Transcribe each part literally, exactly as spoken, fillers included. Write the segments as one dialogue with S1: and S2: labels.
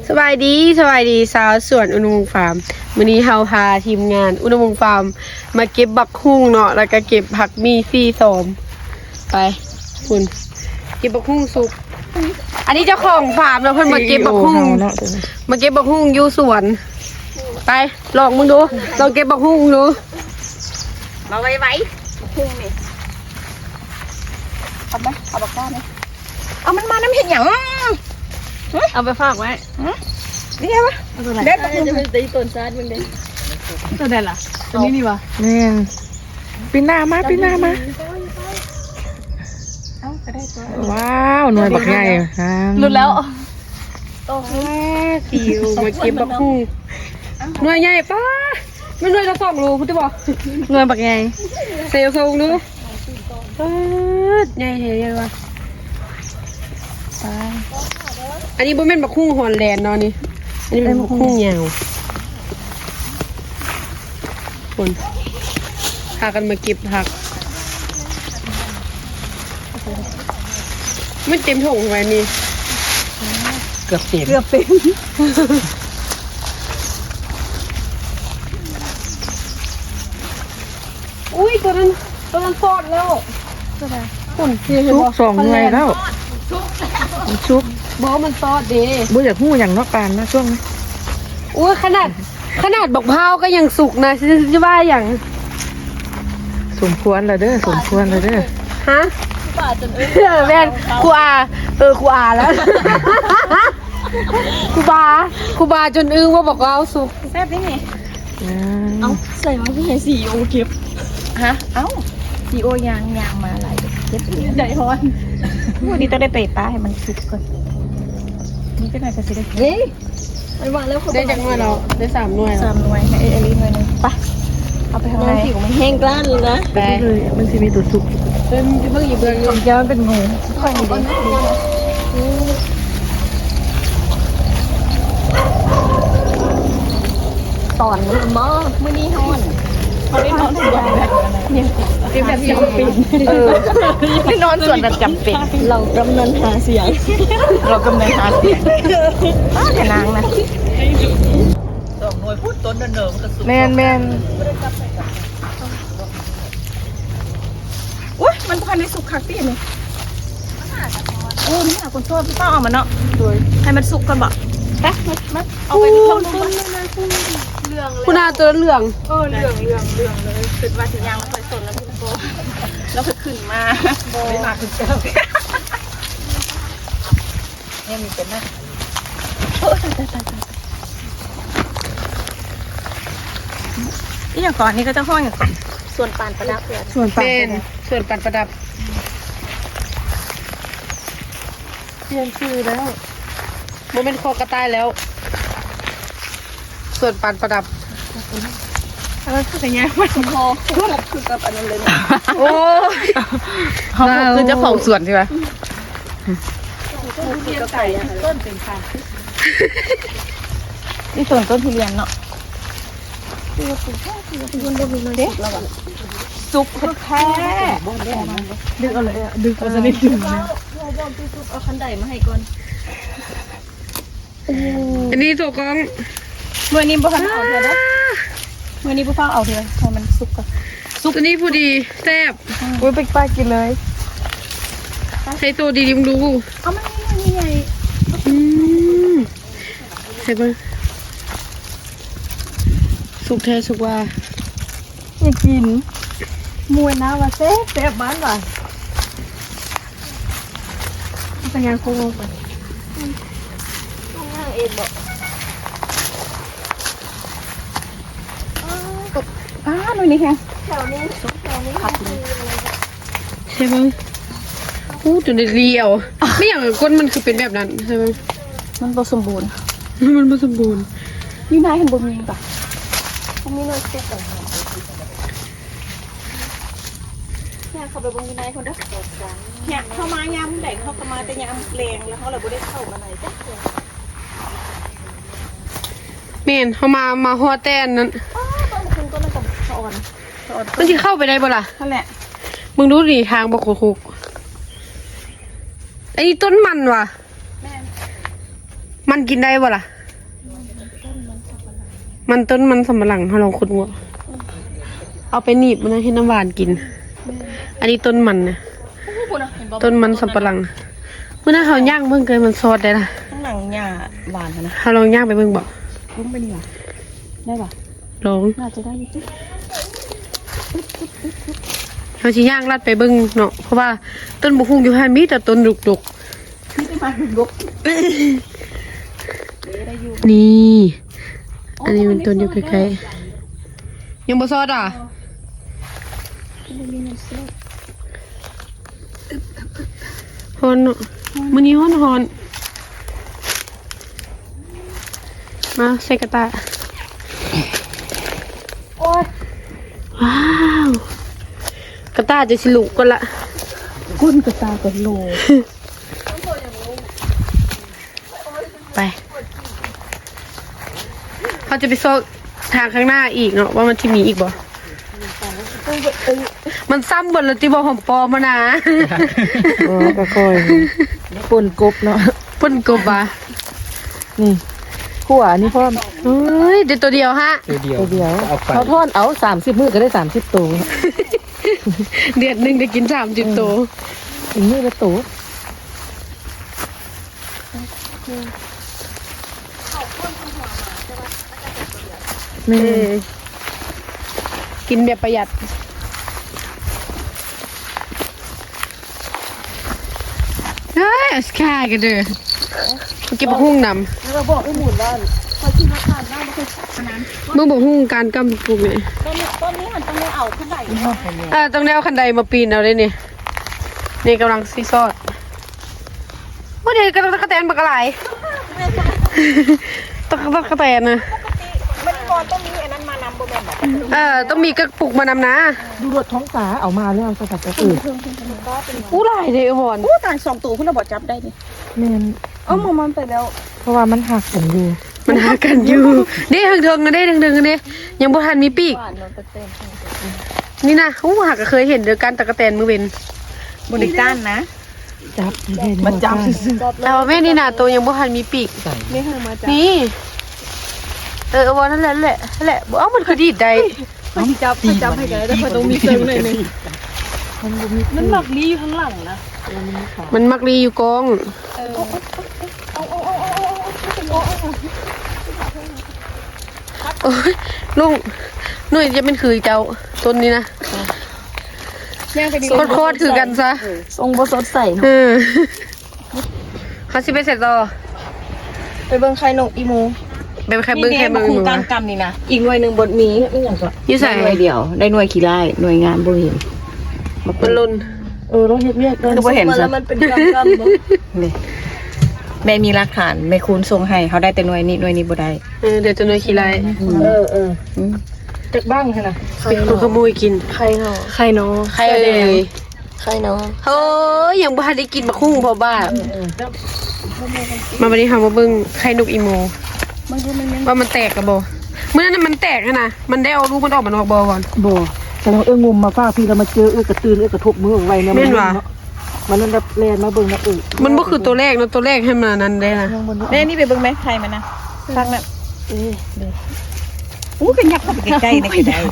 S1: สบายดีสบายดีสาวสวนอุณหภูมิฟาร์มมื้อนี้เฮาพาทีมงานอุณหภูมิฟาร์มมาเก็บบักฮุ่งเนาะแล้วก็เก็บผักมีฟรีสมไปคุณเก็บบักฮุ่งสุกอันนี้เจ้าของฟาร์มเนาะเพิ่นมาเก็บบักฮุ่งมาเก็บบักฮุ่งอยู่สวนไปลองมึงดูลองเก็บบักฮุ่งดูมาไว้ไว้บักฮุ่งนี่เอาไหมเอาบักก้าไหมเอามันมาน้ำเห็ดหยังเอาไปฝากไว้นี่ไงวะเด็ดจะเป็นตีต้นซาดมึงเด็ดตัวเด็ดล่ะตัวนี้นี่วะ
S2: นี่ปีหน้ามาปีหน้ามาว้าวหน่วยบักใหญ่
S1: หลุดแล้วโตคิวมาเก็บบักฮุ่งหน่วยใหญ่ป้าไม่หน่วยละสองรูคุณจะบอกหน่วยบักใหญ่เซลล์ทรงดูใหญ่เฮ้ยวะอันนี้บ่แม่นบักฮุ่งฮอลแลนด์เนาะนี่อันนี้เป็นบักฮุ่งยาวคนพากันมาเก็บผักมันเต็มถุงไว้นี่เกือบเต็มเกือบเต็มอุ้ยตัวนั้นตัวนั้นฟอดแล้วคน
S2: ชุกสองหน่วยแล้วชุก
S1: บอกมันซอดเด้
S2: บ่อยากหู้อย่างนอกปานนะช่วงนี้
S1: อุ้ยขนาดขนาดบักพร้าวก็ยังสุกนะจะว่าอย่าง
S2: สมควรแล้วเด้อสมควรแล้วเด้อ
S1: ฮะครูอาจนเออแม่นครูอาเออครูอาแล้วครูบาครูบาจนอึ้งว่าบอกว่าสุก
S3: แซ่บได้ไงเอาใส่มาที่ไหนซีโอเก็บฮะเอ้าซีโอยางยางมาหลายเก็บใจฮอนวันนี้ต้องได้ไปป้าให้มันสุกก่อนนี่ก็น่าจะสิได้เฮ้ยมันวางแล้ว
S1: ได้จากหน่วยเราได้สามหน่วย
S3: สามหน่วยให้เอลิหน่วยนึงไปเอาไปทางไหนผิวมันแห้งกล้านเลยนะ
S2: ไปเลยมันจะมีตัวสุก
S1: เพิ่มเพิ่งหยิบเลย
S3: ของเจ้ามันเป็นงูค่อยดีตอนนี้มั้งมื้อนี้ฮอนเขาได้นอนส่วนแบบเนี่ยเป็นแบบจำเป็นเออได้นอนส่วนแบบจำเป็นเรากำนันหาเสียงเรากำนันหาเสียงป้าแต่นางนะ
S4: สองหน่วยพูดต้นเดินเดิมก็สุด
S2: แมนแมน
S3: อุ้ยมันพันในสุกคักตี้เนี่ยโอ้นี่ค่ะคนชอบพี่ป้าเอามาเนาะให้มันสุกกันบ่ไปมาเอาไปต้มต้มเลยเหลืองเลย
S1: คุณอาตัวเหลือง
S3: เออเหลืองเหลืองเหลืองเลยขึ้นมาถึงยางมันค่อยสนแล้วพี่โบแล้วก็ขึ้นมาไม่มาขึ้นเจ้า
S4: เนี่ยมีเป็นนะ
S3: โอ้ตายตายตายตายนี่อย่างก่อนนี้ก็จะห้องอย่างส่วนปานประดับเลย
S1: ส่วนปานส่วนปานประดับเปลี่ยนชื่อแล้วมันเป็นคอกระต่ายแล้วส่วนปานประดับ
S3: เออคือไงมันคอคือกับอันนั้นเลยนะ
S1: โอ้
S2: เขาคือเจ้าของสวนใช่ไหม
S3: ต้นไก่ต้นเป็นค่ะนี่ส่วนต้นทุเรียนเนาะซุปแค่ดึกเอาเลยดึกเอาจะได้ถึงนะเอาคันไดมาให้ก่อน
S1: อันนี้ตัวกอง
S3: เมื่อนี้บุฟังเอาเถอะนะเมื่อนี้บุฟังเอาเถอะให้มันสุกก่อน
S1: ซุปตัวนี้พอดีแซ่บ
S3: โอ้ยไปป้ากินเลย
S1: ใช้ตัวดีๆมึงดู
S3: เอามันนี่ไง
S1: อืมใช่ปะสุกแท้สุกว่า
S3: อยากกินมวยน้ำว่าแซ่บแซ่บบ้านว่ะเป็นยังคงไปต้องนั่งเองบอกอ้าหน่อยนี่แค่แถวนี้แถวนี้ขับเลย
S1: ใช่ปะอู้จนได้เรียวไม่อย่างก้นมันคือเป็นแบบนั้นใช่ปะ
S3: มันผสมบูรณ์
S1: มันผสมบูรณ์
S3: นี่นายเห็นบุญมีปะมีหน่อยเซ็ตก่อนเนี่ยเขาไปบงยินายคนเด้อเนี่ยเข้ามายามแดงเขาเข้ามาแต่ยามแรงแล้วเขาเลยไม่ได้เข้ามาไหนจ้ะ
S1: เมนเขามามาหัวแตนนั้น
S3: ต้นคืนต้นนั้นกับสะออนสะออน
S1: มันจะเข้าไปได้บ่ล่ะ
S3: นั่นแหละ
S1: มึงดูดิทางบกคุกไอ้ต้นมันว่ะมันกินได้บ่ล่ะมันต้นมันสำปะหลังเราลองขุดหัวเอาไปหนีบมันให้น้ำหวานกิน อันนี้ต้นมันนะต้นมันสำปะหลังเมื่อหน้าเขาย่างเบิ่งเกินมันซอดได้ละ
S3: ข้างหลังหญ้าหวานนะ
S1: เขาลองย่างไปเบิ่งบ่
S3: ล้มไปดีกว่าได้ป่ะ
S1: ลอง
S3: น่าจะได้อยู่ที่
S1: เขาสิย่างลัดไปเบิ่งเนาะเพราะว่าต้นบุคุงอยู่หันมีแต่ต้นดุก
S3: ไม่ได้มาดุก
S1: ๆนี่ อันนี้มันต้นอยู่ใกล้ๆยังบ่ซอดอ่ะฮอนเนาะมื้อนี้ฮอนฮอนมาใส่กระตาว้าวกระตาจะสิลุกก่อนละ
S3: ก้นกระตากระโหล
S1: ไปเขาจะไปโซกทางข้างหน้าอีกเนาะว่ามันจะมีอีกบ่มันซ้ำเบนแล้วที่บ่หอมปอมานะ
S2: โอ้ก็ค่อยปนกบเนาะ
S1: ปุ่นกบอ่ะ
S2: นี่ขั่วอันนี้พ่อม
S1: เฮ้ยเดี๋ยวตัวเดียวฮะ
S4: ตัวเดียว
S2: ตัวเดียว
S4: เอาไป
S2: เขาทอดเอาสามสิบมื้อก็ได้สามสิบตัว
S1: เดือนหนึ่งได้กินสามสิบตัว
S2: อีกมื้อละตัวนี่
S1: เออกินแบบประหยัดเฮ้ยสกายกันเด้อเก็บหุ้งนำ
S3: เราบอกไอ้หมุนว่าคอยที่มาทานได้ไม่เคยขนาด
S1: เมื่อบอกหุ้งการกำปลูกเนี่ย
S3: ต้นนี้ต้นนี้มันต้องได้เอาขึ้นได้
S1: อ่าต้องได้เอาคันไดมาปีนเอาได้นี่นี่กำลังซีซอดว่าเดี๋ยวกระตะกระแตนบักอะไรตะกะตะแตนนะ
S3: ไม่ได้ก่อนต้องมีอันนั้นมานำโบแมนแบบ
S1: เออต้องมีกระปุกมานำนะ
S2: ดูรถท้องฟ้าเอามาแล้วสกัดกระสือ
S1: อู้หลายเลยอ่อน
S3: อู้ต่างสองตัวคุณเราบอกจับได้นี่
S2: แม่น
S3: เอ้ามันไปแล้ว
S2: เพราะว่ามันหักกันอยู่
S1: มันหากันอยู่เด้เถิงๆกันเด้เถิงๆกันเด้ยังบ่ทันมีปีก
S3: หวานนนเต้น
S1: นี่นะอู้หักก็เคยเห็นเดียวกันตะกะแตนมือเว้น
S3: บริการนะ
S2: จับ
S3: มันจับ
S1: แต่ว่าแม่นี่นะตัวยังบ่ทันมีปีก
S3: ไม่ให้มาจับ
S1: นี่เออเอาวันนั่นแหละนั่นแหละนั่นแหละเอ้ามันคือดีดได้
S3: มันจับมันจับให้กันแล้วพอต้องมีเซิร์ฟหน่อยนึงมันหลักลีอยู่ข้างหลังนะ
S1: มันมักรีอยู่กองโอ้ยลุงหนุ่ยจะเป็นคือเจ้าต้นนี้นะโคตรๆคือกันซะ
S3: ทรงบสดใส
S1: เออเขาสิไปเสร็จต่อ
S3: ไปเบิ่งใครนกอีโม
S1: ไปใครเบิ้งใครเบิ้ง
S3: คุ
S1: มื
S3: ณ
S1: อ
S3: การกรรมนี่นะอีกหน่วยหนึ่งบทมี
S1: อยู่ใส่
S3: หน่วยเดียวได้หน่วยขี้ไล่หน่วยงานบ่เห็น
S1: มันลุน
S2: เออเราเฮ็ดเวียก
S3: คือบ่เห็นซะมันเป็นกรรมกรรมนี่แม่มีหลักฐานแม่คูณส่งให้เขาได้แต่หน่วยนี้หน่วยนี้บ่ได้
S1: เออเดี๋ยวจะหน่วยขี้ไร
S2: เออเออจากบ้างใช่ไหม
S1: เป็นคนขโมยกิน
S3: ใครเนาะ
S1: ใครเนาะใครเอ่ย
S3: ใครเนาะ
S1: เฮ้ยยังบ่ทันได้กินมะคุ้งพอบ้ามาวันนี้ค่ะมาเบิ้งไข่นกอีโม
S3: มันคือมัน
S1: ว่ามันแตกกระบอเมื่อนั้นมันแตกอะนะมันได้เอาลูกมันออกมานอกบอก่อน
S2: บ่แต่เราเอื้องมมาฟ้าพี่เรามาเจอเอื้อกระตือนเอื้อกระทบมือไว้เนี่ย
S1: แม่นว่ะ
S2: มันนั่นแบบแลนมาเบิ่งนะเออ
S1: มันบ่คือตัวแรกนะตัวแรกให้มันอันนั้นได้นะ
S3: แม่นี่ไปเบิ่งแม่ใครมันนะฟังน่ะเอออู้กันยักเข้าไปใกล้ๆนี่ก็ได้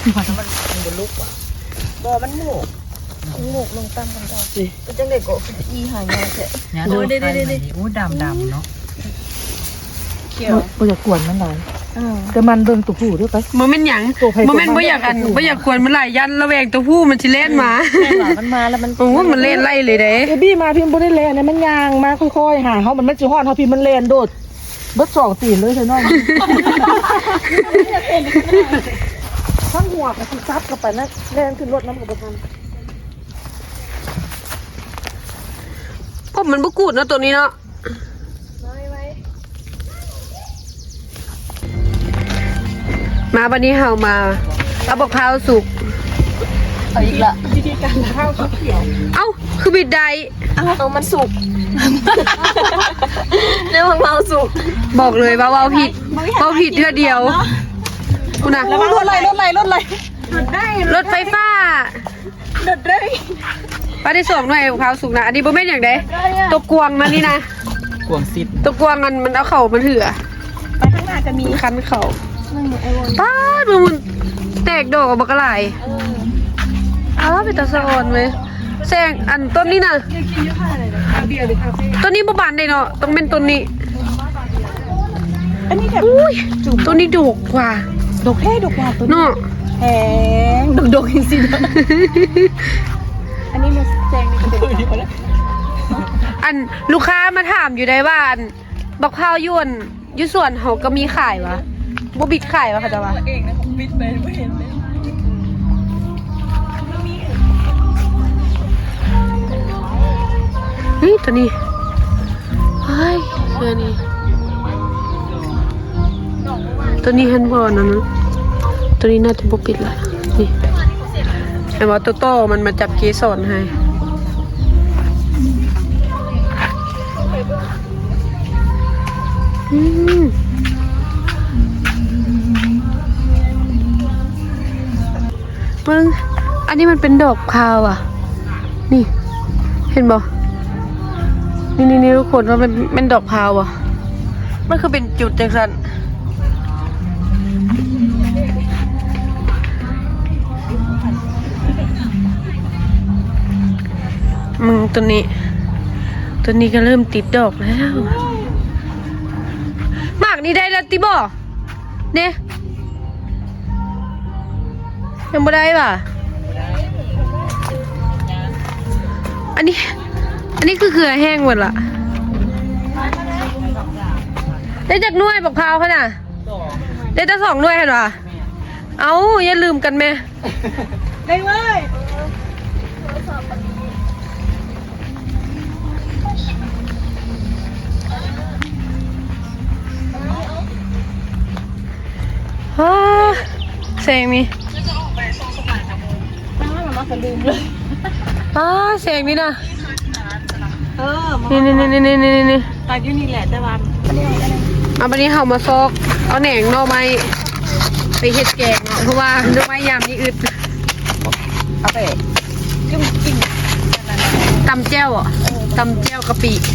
S3: บ่มันหมูหมูลงตั้งกันก่อนเป็นจังได๋ก็อีหายาแท้
S4: โอ้ได้ได้ได้โอ้ดำดำเนาะ
S3: เขียว
S2: บ่อยากกวนมันหลาย
S3: เออ
S2: แต่มันเบิ่งตัวผู้ด้วยไป
S1: บ่แม่นหยัง
S2: ตัวไผ
S1: บ่แม่นบ่อยากอันบ่อยากควรมันหลายยันระแวงตัวผู้มันสิเล่นมา
S3: แม่ว่ามันมาแล้วมัน
S1: โอ้โหมันเล่นไล่เลยเด้
S2: เอบี้มาพิมพ์บ่ได้แลนเนี่ยมันย่างมาค่อยๆหาเฮามันมันสิฮอดเฮาพิมพ์มันแลนโดดเบิดสองตีนเลยใช่น้องทั้งหัวกับสิซับเข้าไปนะแลนขึ้นรถน้ำกับบ่ทัน
S1: พวกมันบ่กูดเนาะตัวนี้เนาะมาวันนี้เฮามาเอาบักพร้าวสุก
S3: เอาอีกละ
S1: เอ้าคือบิดใด
S3: เอามันสุกเรื่องของเราสุก
S1: บอกเลยว่าเว้าผิดเว้าผิดเทื่อเดียวกูนะ
S3: แล้วรถอะไรรถอะไรรถอะไรรถได้
S1: รถไฟฟ้าร
S3: ถได้
S1: ป้าได้ส่งหน่อยบักพร้าวสุกนะอันนี้บ่แม่นอย่างใดตัวกวางนะนี่นะ
S4: กวงซิด
S1: ตัวกวางมันมันเอาเข่ามันเถื่อ
S3: ไปข้างหน้าจะมี
S1: คันเข่า
S3: ม
S1: ป้าดมึงมันแตกดอกออกมากระไรอ้าวเป็นตาสะอ่อนเว้ยแซงอันต้นนี้น่ะต้นนี้บ่บานได้เนาะต้องเป็นต้นนี้
S3: อันนี้แบบ
S1: อุ้ยต้นนี้ดกกว่า
S3: ดอกแค่ดอกกว่าตัวนี้
S1: เนาะ
S3: แพงดอกดอกจริงๆอันนี้มันแซงนี่ก็เป็น
S1: อันลูกค้ามาถามอยู่ได้ว่าอันบักพร้าวยวนอยู่ส่วนเขาก็มีขายวะบ่บิดขายวะเขาจะว่า
S3: เองนะผมปิดไปไม่เห็นเลย
S1: เฮ้ยตัวนี้เฮ้ยตัวนี้ตัวนี้ฮันบอลนะนะตัวนี้น่าจะบ่ปิดละนี่แต่ว่าโตโต้มันมาจับเกสรให้อืมมึงอันนี้มันเป็นดอกพาวอ่ะนี่เห็นบ่นี่นี่นี่ทุกคนว่ามันเป็นดอกพาวอ่ะมันคือเป็นจุดจังสันมึงตัวนี้ตัวนี้ก็เริ่มติดดอกแล้วหมากนี่ได้แล้วติบ่เนี่ยยังไม่ได้ป่ะอันนี้อันนี้คือเกลือแห้งหมดละได้จากหน่วยบักพร้าวเขาน่ะได้ตั้งสองหน่วยเห็นป่ะเอาอย่าลืมกันแม่
S3: ได้เว้ย
S1: ฮ่าแสงนี่
S3: ตั้งไว้มาก็ลืมเลย
S1: ฮ่าแสงนี่นะ
S3: เออ
S1: นี่นี่นี่นี่นี่นี่นี่
S3: ตาอยู่นี่แหละแต่ว่า
S1: เอาวันนี้เขามาซอกเอาแหน่งหน่อไม้ไปเฮ็ดแกงเนาะเพราะว่าหน่อไม้ยามนี้อึด
S3: เอาไปจิ้มจิ้ม
S1: ตำแจ่วอ่ะตำแจ่วกะปิ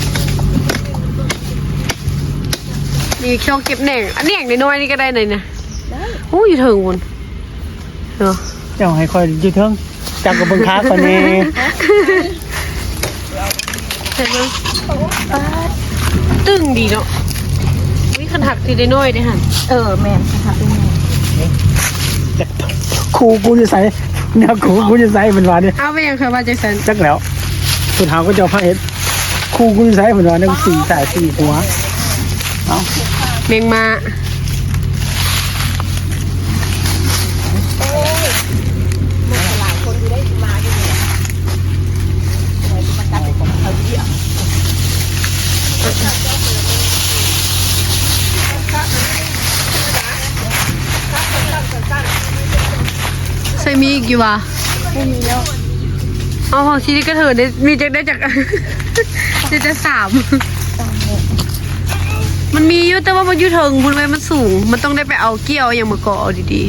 S1: นี่ช่องเก็บแหน่งอันแหน่งน้อยๆนี่ก็ได้เลยนะโอ้ยอยู่ถึงวนเนาะ
S2: เจ้าให้คอยอยู่เทิงจับกับเบิ่งค้าก่อนแน่
S1: เห็นไหมตึงดีเนาะวิคันหักทีได้น้อยได้หัน
S3: เออแม่นค่ะเป็นแม่
S2: ครูกูจะใส่เนี่ยครูกูจะใส่เป็นว่าเนี่ย
S1: เอาไปยังเคยว่าจังสัน
S2: จักแล้วคุณหาก็จะเอาผ้าเฮ็ดครูกูจะใส่เป็นว่าเนี่ยสี่สายสี่หัวเอา
S1: เมงมาใส่มีอีกอยู่วะ
S3: ไม่มีแล้ว
S1: เอาของชีวิตก็เถอะได้มีจะได้จาก จะจะสามมันมีอยู่แต่ว่ามันอยู่เทิงคุณไว้มันสูง มันต้องได้ไปเอาเกี่ยวอย่างมาเกาะเอาดี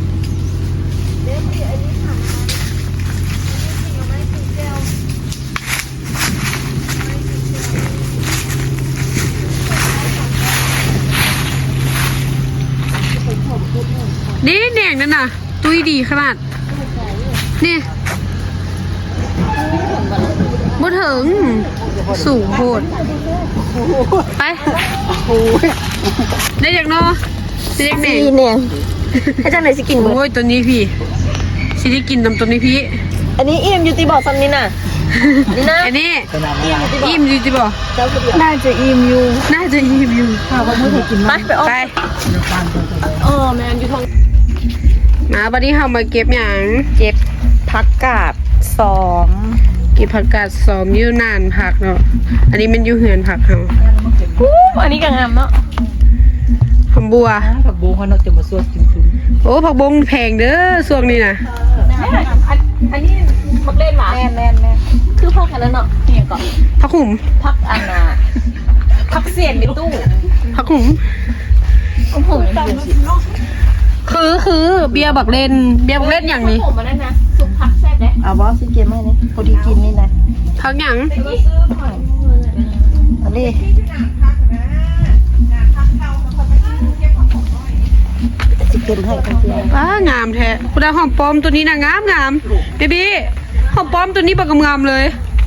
S1: ๆนี่แหน่งนั่นน่ะตุ้ยดีขนาดนี่บ่ถึงสูงโพดไปได้จากนอได้จากไหน
S3: สีเนี่ยให้จังไหนสิกินเบิด
S1: โอ้ยตัวนี้พี่สิได้กินนำตัวนี้พี่
S3: อันนี้อิ่มอยู่ตีบอกซ้ำนี่น่ะนี่นะ
S1: อันนี้
S2: ขนาดนี้
S1: อิ่มอยู่จิบ่
S3: เจ้าคือน่าจะอิ่มอยู่
S1: น่าจะอิ่มอยู่
S3: ค่ะว่าไม่เคยกินไปไปออก
S1: ไป
S3: เออแม่นอยู่ทาง
S1: มาบัดนี้เฮามาเก็บหยัง
S3: เจ็บผักกาดสอง
S1: เก็บผักกาดสอมอยู่นานผักเนาะอันนี้มันอยู่เหือนผักเฮา
S3: อู้อันนี้ก็งามเนาะ
S1: หอมบัว
S2: ผักบุ้งเขาเนาะจะมาสวดกินถึง
S1: โอ้ผักบงแพงเด้อช่วงนี้นะ
S3: อันนี้มักเล่นหมาแม่แม่แม่คือพักกันแล้วเนาะนี่ก่อน
S1: ผักหุ่ม
S3: พักอันน่ะพักเสียนในตู้
S1: ผักหุ่ม
S3: ผมผมยังอยู่สิ
S1: คือคือเบียร์บักเล่นเบียร์บักเล่นอย่างนี้
S3: ผมมาได้นะซุปผักแซ่บเลยเอาบอสซื้อเกมให้นี่พอดีกินนี่นะ
S1: ผักหยัง
S3: อันนี้เก็บให้กันเสีย
S1: ว้างามแท้คุณดาหอมปลอมตัวนี้นะงามงามเบบี้หอมปลอมตัวนี้บักงามเลย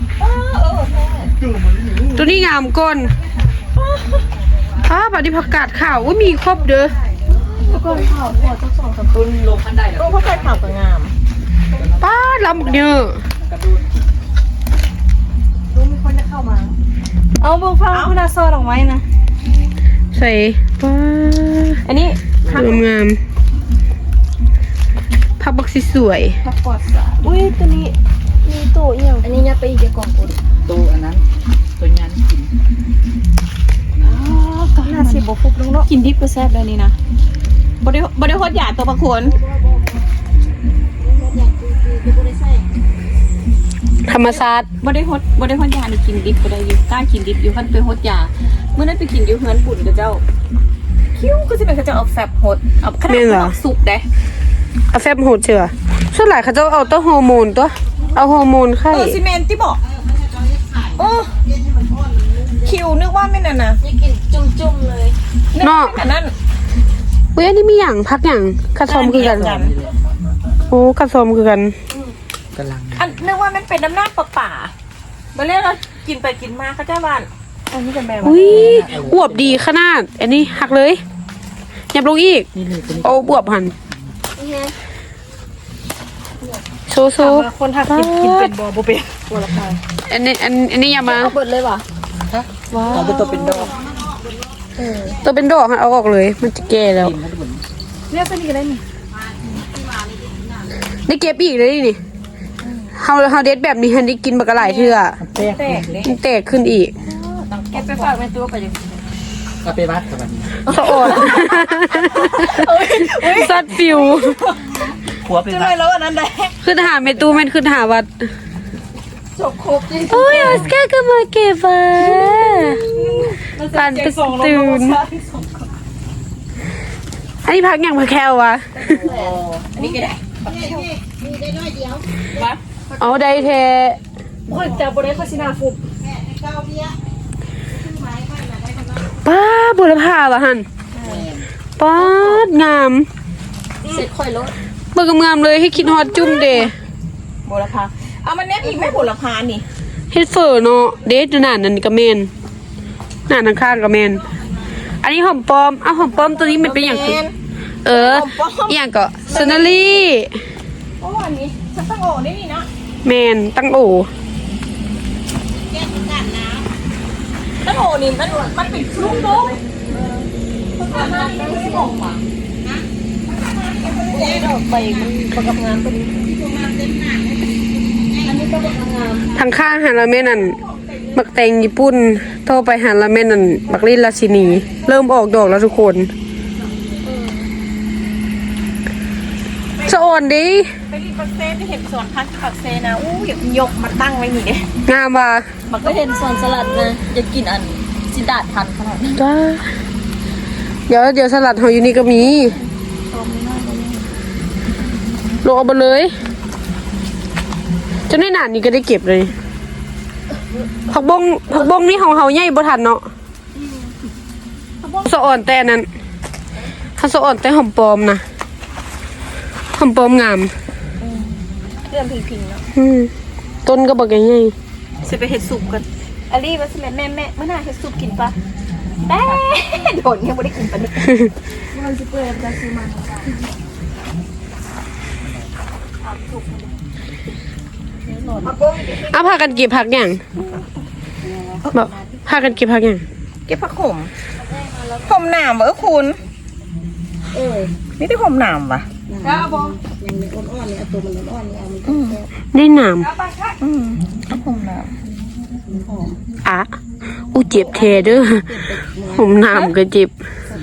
S1: ตัวนี้งามก้นอ้าบัดนี้ผักกาดขาวอุ้ยมีครบเด้อ
S3: ก้อนข้าวพอสักสองสามต้นลงพันได้แล้วก็ผักกาดขาวก็งาม
S1: ป้าลำบักเยอะ
S3: รู้มีคนจะเข้ามาเอาบุกฟังคุณอาซอดอกไม้นะ
S1: ใส่ป้า
S3: อันนี้
S1: งามงามผักบักสีสวย
S3: ผักปอดสาอุ้ยตัวนี้มีโตเอี่ยวอันนี้เนี่ยไปอีกเดียวกล่องอุ่น
S4: ตัวอันนั้นตัวยันกิน
S3: ก็ห้าสิบบวกฟุบลงเนาะกินดิบก็แซ่บได้นี่นะบริบริโภคหยาดตัวประคน
S1: ธรรมศาสตร์
S3: บริโภคบริโภคหยาดนี่กินดิบก็ได้อยู่กล้ากินดิบอยู่ขั้นเป็นโฮดยาเมื่อนั้นไปกินอยู่เฮือนบุญกับเจ้าคิ้วก็จะเป็นเขาจะเอาแซ่บโฮดเอาขนาดเอาสุกได้
S1: เอาแฟบโหดเชื่อส่วนหลายเขาจะเอาตัวฮอร์โมนตัวเอาฮอร์โมนไข่
S3: เออซีเมนที่บอกโอ้คิวนึกว่าไม่นั่นนะกินจุ่มๆเลย
S1: เนาะ
S3: อันนั้น
S1: อุ้ยอันนี้มีอย่างพักอย่างกระซอมคือกันโอ้กระซอมคือกัน
S4: กำลัง
S3: อันนึกว่ามันเป็นน้ำหน้าป่าป่ามาเรียกเรากินไปกินมาเขาเจ้าบ้านอันนี้จะแม่
S1: อุ้ยอวบดีขนาด อันนี้หักเลยยับลงอีก
S4: นี่เลยตัวนี้
S1: โอ้บวบหันโซโซ
S3: คนทักกินกินเป็นบอโบเป็นตัวละพัน
S1: อันนี้อันอันนี้อย่ามา
S3: เอาเบิดเลยว่ะ
S4: เอาเป็นตัวเป็นดอก
S1: ตัวเป็นดอกหันเอาออกเลย มันจะแก่แล้ว
S4: กินให้ดู
S3: เรียกเป็นอีกได้นี่
S1: ได้เก็บอีกเลยนี่เฮาเฮาเด็ดแบบนี้ฮันได้กินบักกะหลายเทื่อ
S4: แตก
S3: แตกเลย
S1: มันแตกขึ้นอีก
S3: แกไปฝากเป็นตัวไปยัง
S4: ก็ไปวัดกับมัน
S1: สะอดสัตว์ฟิว
S4: หัวไป
S3: จะ
S4: วั
S3: ได้
S4: ด
S3: แล้วอันนั้นได้
S1: ขึ้นหาเมตูแม่นขึ้นหาวัด
S3: จบครบจริง
S1: โอ้ยออสการ์ก็มาเก็บอ่ะปันตื่นอันนี้พักอย่างพักแคววะ
S3: อันนี้ก็ได้
S1: เอาได้แท้
S3: โอ้ยแต่บริเวณโฆษณาฟุบ
S1: ป้าบุรพาวะหันป้างาม
S3: เสร็จค่อยลด
S1: เบิกงามเลยให้คิดฮอตจุ่มเด
S3: บุรพาเอามันเนี้ยอีกไม่บุรพานี่
S1: เฮ็ดเฟอร์เนาะเดทหนานั่นก็แม่นหนาทางข้างก็แม่นอันนี้หอมปลอมเอาหอมปลอมตัวนี้มันเป็นอย่างคือเอออหย่างก็ซนารี
S3: โอ้อันนี้ฉันต้องโอ้ได้นี่นะ
S1: แม่นตั้งโอ
S3: ตั้งโอ้นี่มันมันเป็นลูกนกมันทำงานไม่ได้ออกมาดอกใบมันประกับงานตัวนี้อันนี้ก็ประกับงาน
S1: ทางข้างหันละแม่นั่นบักแตงญี่ปุ่นโทรไปหันละแม่นั่นบักลินราชินี เริ่มออกดอกแล้วทุกคนสะอ่อนดิ
S3: ไปรีปักเซ่ที่เห็นสวนพักปักเซ่นะอู้ยยกมาตั้งไว้นี่เด้
S1: งามว่ะ
S3: มันก็เห็นสวนสลัดนะจะกินอันจิดาดทันขนาดนั้น
S1: จ้าเดี๋ยวเดี๋ยวสลัดเฮาอยู่นี่ก็มีลงเอาไปเลยจนได้นานนี่ก็ได้เก็บเลยผักบงผักบงนี่ของเฮาใหญ่บ่ทันเนาะสะอ่อนแต่อันนั้นถ้าสะอ่อนแต่หอมปลอมนะหอมปลอมงาม
S3: เรื่องพิงๆเนาะ
S1: อืมต้นก็บอกใหญ่
S3: จะไปเห็ดสุกกันอลี่มาสิแม่แม่แม่เมื่อหน้าเห็ดสุกกินปะแม่โดนยังไม่ได้กินปะเนี่ยมันจะเปิดจะซื้อมา
S1: ๆเอาพากันเก็บผักอย่างบอกพากันเก็บผักอย่าง
S3: เก็บผักขมขมหนามเหรอคุณเออนี่ที่ขมหนามปะ
S1: ได้หนาม
S3: อืมผักขมหนาม
S1: อ่ะอู้เจ็บเทเด้อผมหนามก็เจ็บ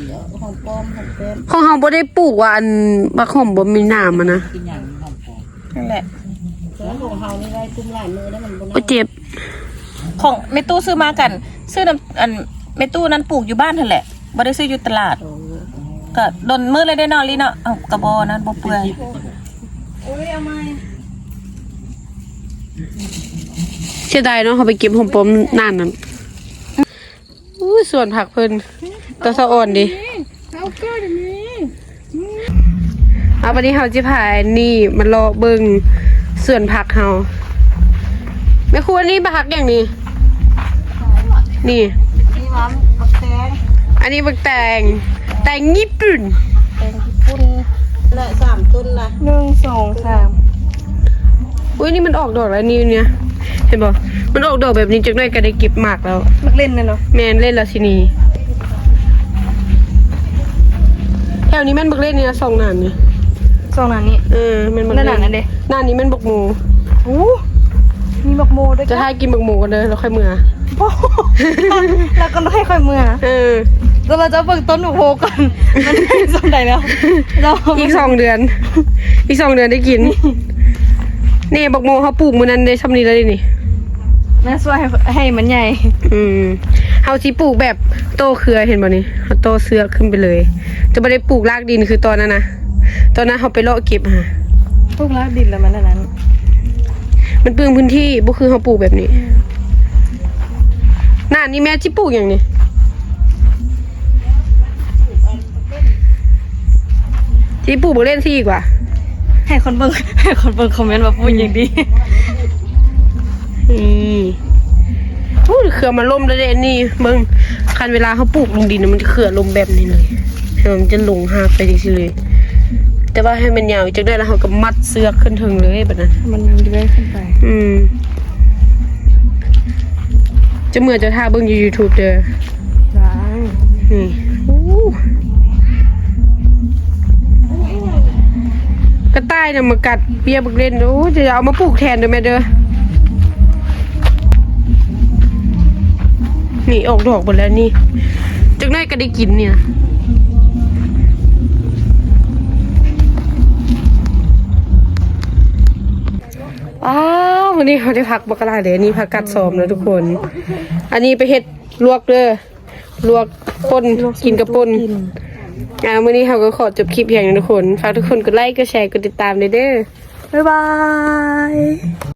S1: ของเฮาบ่ได้ปลูกว่าอันบักหอมบ่มีหนามอะนะ
S4: กินอย่างหอมปอม
S3: นั่นแหละ
S1: โอ้เจ็บ
S3: ของเมตู้ซื้อมากัน ซื้อน้ำอันเมตู้นั้นปลูกอยู่บ้านเถอะแหละบ่ได้ซื้ออยู่ตลาดก็โดนมือเลยได้นอนลีเนาะเอากระบอนั้นบ่เปื่อย
S1: เสียดายเนาะเขาไปเก็บหอมปอมนานนั้นอู้ส่วนผักเพิ่นตัวสะอ่อนดิเอาวันนี้เฮาจิพายนี่มันรอเบิ่งส่วนผักเฮาแม่ครัวนี่ผักอย่างนี้นี่
S3: นี่มันบักแตง
S1: อันนี้บักแตงแตงญี่ปุ่น
S3: แตงญี่ปุ่น
S4: ละสามต้นละ
S3: หนึ่งสองสาม
S1: อุ้ยนี่มันออกดอกแล้วนี่เนี่ยเห็นบ่มันออกดอกแบบนี้จักหน่อยก็ได้เก็บหมากแล้ว
S3: มักเล่นนะเนาะ
S1: แม่นเล่นแล้วสินี่แถวนี้แม่นบักเล่นเนี่ยสองนานนี่
S3: สองนั้นนี้
S1: เออแม่นบัก
S3: นั่
S1: เล่
S3: นน่ะนั่นเด้
S1: นานนี้แม่นบักหมู
S3: โอ้มีบักโมด้วย
S1: จะให้กินบักหมูกันเด้อแล้วค่อยเมื่อ
S3: โอ้แล้วก็ให้ค่อยเมื่อ
S1: เออ
S3: แล้วเราจะเบิกต้นหนูโพก่อนมันได้สมใดแล้วเรา
S1: อีกสองเดือน อีกสองเดือนได้กิน นี่บักโมเขาปลูกมื้อนั้นได้ซ้ำนี้แล้วนี่
S3: แม่ช่วยให้มันใหญ่
S1: อืมเฮาสิปลูกแบบโตเครือเห็นบ่นี่เฮาโตเสือขึ้นไปเลย จะบ่ได้ปลูกรากดินคือตอนนั้นนะตอนนั้นเฮาไปเลาะเก็บหา
S3: พวกลากดินแล้วมันอันนั้น
S1: มันเปลืองพื้นที่บ่คือเฮาปลูกแบบนี้หน้านี่แม่สิปลูกหยังนี่สิปลูกบ่เล่นสิอีกว่า
S3: ให้คนเบิ่งให้คนเบิ่งคอมเมนต์มาพูดอย่างดี
S1: อืมโอ้ยเครือมันล่มแล้วเด้นี่เบิ่งคันเวลาเฮาปลูกลงดินน่ะมันจะเครือลมแบบนี้เลยให้มันจะลงหากไปจังซี่เลย แต่ว่าให้มันยาวจักได้แล้วเฮาก็มัดเสือกขึ้นถึงเลยแบบนั้น
S3: มันเลื้อยขึ้นไป
S1: อืมจะเหมือนจะท่าเบิ่งอยู่ YouTube เด้อ
S3: ล้าง
S1: นี่โอ้กระต่ายน่ะมากัดเปียบักเล่นโอ้จะเอามาปลูกแทนเด้อแม่เด้อนี่ออกดอกหมดแล้วนี่จักหน่อยก็ได้กินเนี่ยอ้าววันนี้เขาได้พักบักกะลาเลยอันนี้พักกัดซ้อมนะทุกคน อันนี้ไปเฮ็ดลวกเด้อลวกป่นกินกับป่นอ่ามื้อนี้เขาก็ขอจบคลิปเพียงเท่านี้ทุกคนฝากทุกคนกดไลค์กดแชร์กดติดตามด้วยเด้อ
S3: บ๊ายบาย